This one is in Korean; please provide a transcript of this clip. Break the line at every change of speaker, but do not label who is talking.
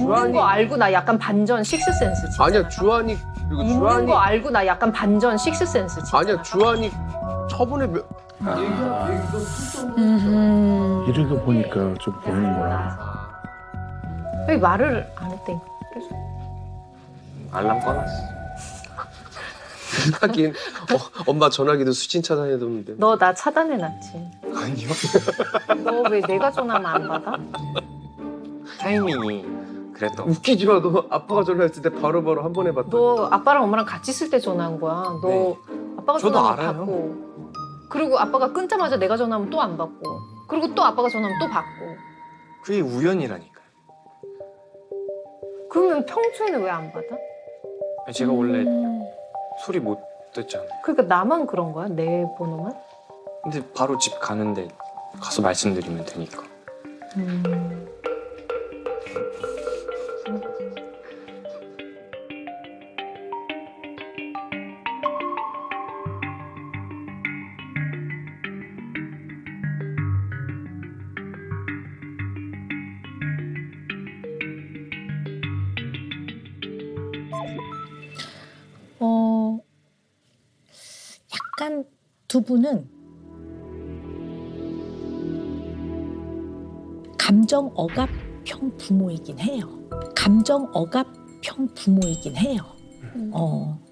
있는 거 알고 나 약간 반전 식스센스 진짜.
아니야 주한이 그리고
있는
주한이
거 알고 나 약간 반전 식스센스 진짜.
아니야 주한이 처분에
이렇게 보니까 좀 보이는구나.
왜 말을 안 했대? 계속.
알람 꺼놨어.
하긴 엄마 전화기도 수신 차단해뒀는데.
너 나 차단해놨지.
아니요.
너 왜 내가 전화하면 안 받아?
타이밍이 그랬던.
웃기지 마. 너 아빠가 전화했을 때 바로바로 한 번 해봤다.
너 아빠랑 엄마랑 같이 있을 때 전화한 거야. 너
네.
아빠가
저도
전화하면
알아요.
받고. 그리고 아빠가 끊자마자 내가 전화하면 또 안 받고. 그리고 또 아빠가 전화하면 또 받고.
그게 우연이라니까요.
그러면 평소에는 왜 안 받아?
제가 원래 소리 못 듣잖아요.
그러니까 나만 그런 거야? 내 번호만?
근데 바로 집 가는데 가서 말씀드리면 되니까.
약간 두 분은 감정 억압형 부모이긴 해요. 감정 억압형 부모이긴 해요.